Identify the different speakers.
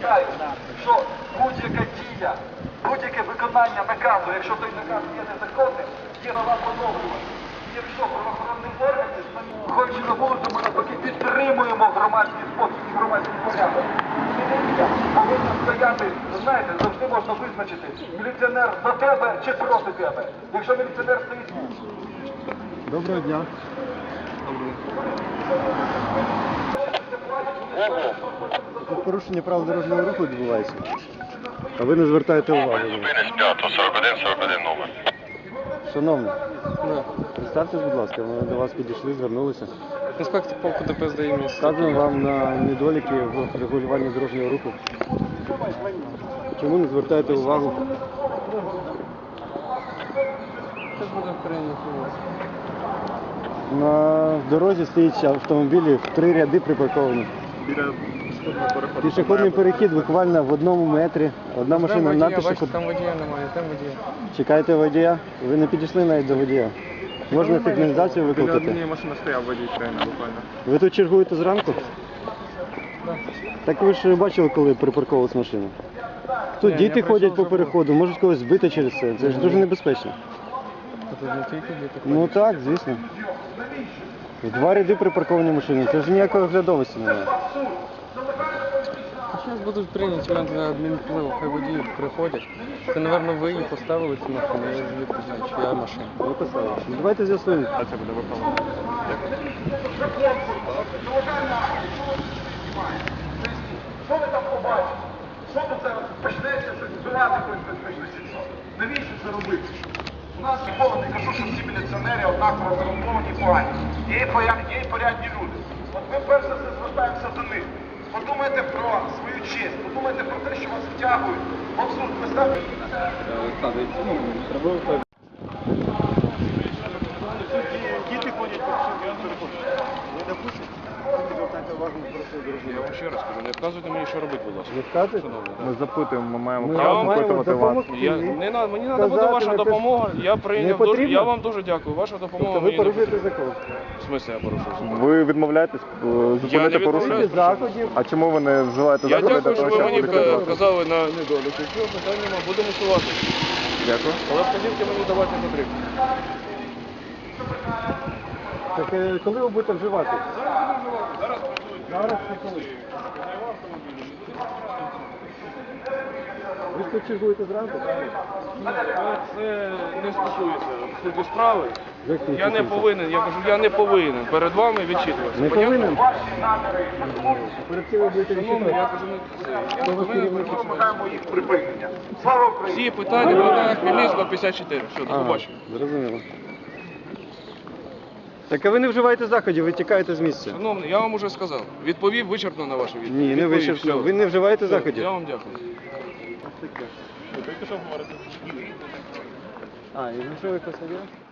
Speaker 1: пам'ятаю, що будь-яка дія, будь-яке виконання наказу, якщо той наказ є незаконним, є права поновлювати. Якщо правоохоронний орган, ходячи на вулицю, ми навпаки підтримуємо громадський спокій і громадський порядок. Міліція повинна стояти, знаєте, завжди можна визначити, міліціонер за тебе чи проти тебе. Якщо міліціонер стоїть...
Speaker 2: Доброго дня. Тут порушення правил дорожнього руху відбувається. А ви не звертаєте увагу.
Speaker 3: Зупинись 5-41-41 номер.
Speaker 2: Шановний, представтесь, будь ласка, ми до вас підійшли, звернулися.
Speaker 4: Інспектор полку ДПС дає місце.
Speaker 2: Вказуємо вам на недоліки в регулюванні дорожнього руху. Чому не звертаєте увагу?
Speaker 4: Це буде прийнято.
Speaker 2: На дорозі стоїть автомобілі в 3 ряди припарковані. Пішохідний перехід буквально в 1 метрі. Одна машина на пішохід.
Speaker 4: Там водія немає, там водія.
Speaker 2: Чекаєте водія? Ви не підійшли навіть до водія. Можна сигналізацію викликати?
Speaker 4: Біля однієї машини стояв водій щойно буквально.
Speaker 2: Ви тут чергуєте зранку?
Speaker 4: Так.
Speaker 2: Так ви ж бачили, коли припарковувалась машина? Тут
Speaker 4: Ні,
Speaker 2: діти
Speaker 4: я
Speaker 2: ходять
Speaker 4: прийшов
Speaker 2: по переходу, можуть когось збити через це. Це ж дуже небезпечно.
Speaker 4: Тут не тільки діти
Speaker 2: Ну
Speaker 4: ходять.
Speaker 2: так, звісно. В 2 ряди припарковані машини. Це ж ніякої оглядовості немає.
Speaker 4: Зараз будуть прийняті варіанти на адмінвпливу, хай водії приходять. Це, напевно, ви її поставили цю машину, я її призначу, я машина.
Speaker 2: Ви писали. Ну, давайте з'ясуємо.
Speaker 4: А це буде виправлено.
Speaker 1: Що ви там побачите? Що тут зараз почнеться, щось збивати, хтось почнеться? Навіщо це робити? У нас ніколи не кажу, що всі міліціонери однаково корумповані і погані. Є і порядні люди. От ми перш за все звертаємося до них. Подумайте про свою честь, подумайте про те, що вас втягують в абсурд. Представте. Діти ходять по переходу. Ви допустите?
Speaker 5: Я вам ще раз кажу, не вказуйте мені, що робити, будь ласка.
Speaker 2: Ви вказуєте?
Speaker 5: Ми запитуємо, ми маємо
Speaker 2: Ми
Speaker 5: право
Speaker 2: вам маємо
Speaker 5: запитувати вас.
Speaker 2: допомогти.
Speaker 5: Мені треба буде ваша
Speaker 2: Сказати,
Speaker 5: допомога. Я
Speaker 2: не
Speaker 5: прийняв
Speaker 2: потрібно?
Speaker 5: я вам дуже дякую. Ваша допомога
Speaker 2: Тобто ви
Speaker 5: мені не
Speaker 2: порушуєте
Speaker 5: потрібна.
Speaker 2: закон.
Speaker 5: В смислі я порушую закон?
Speaker 3: Ви відмовляєтесь зупинити
Speaker 5: не
Speaker 3: порушення?
Speaker 5: відмовляюсь.
Speaker 2: Заходів.
Speaker 3: А чому ви не вживаєте
Speaker 5: Я
Speaker 3: заходи для
Speaker 5: дякую, що
Speaker 3: того,
Speaker 5: ви
Speaker 3: щоб
Speaker 5: мені
Speaker 3: відкрити?
Speaker 5: вказали на недоліки. Все, питань нема, будемо усувати.
Speaker 3: Дякую.
Speaker 5: Але вказівки мені давати не потрібно.
Speaker 2: Так коли ви будете вживати?
Speaker 5: Зараз
Speaker 2: Зараз чи коли? Ви ж тут чергуєте зранку, правильно?
Speaker 5: це не стосується суті справи.
Speaker 2: Як це
Speaker 5: Я не
Speaker 2: стосується?
Speaker 5: повинен, я кажу, я не повинен перед вами відчитуватися.
Speaker 2: Не повинен?
Speaker 1: Ваші наміри
Speaker 2: Перед цим ви будете
Speaker 5: Шановний, я
Speaker 2: відчитувати.
Speaker 5: кажу, не це. Я
Speaker 2: Хто
Speaker 5: не
Speaker 2: вас
Speaker 5: повинен
Speaker 2: керівник?
Speaker 5: перед
Speaker 1: ми
Speaker 5: вами.
Speaker 1: вимагаємо їх припинення. Слава Україні!
Speaker 5: Всі питання на Хмельницького 54. Все, до побачення.
Speaker 2: Зрозуміло. Так а ви не вживаєте заходів, ви тікаєте з місця.
Speaker 5: Шановний, я вам уже сказав. Відповів вичерпно на вашу відповідь.
Speaker 2: Ні, не
Speaker 5: Відповів,
Speaker 2: вичерпно.
Speaker 5: все.
Speaker 2: Ви не вживаєте
Speaker 5: Все,
Speaker 2: заходів.
Speaker 5: Я вам дякую.
Speaker 2: А, і ви що ви посадили?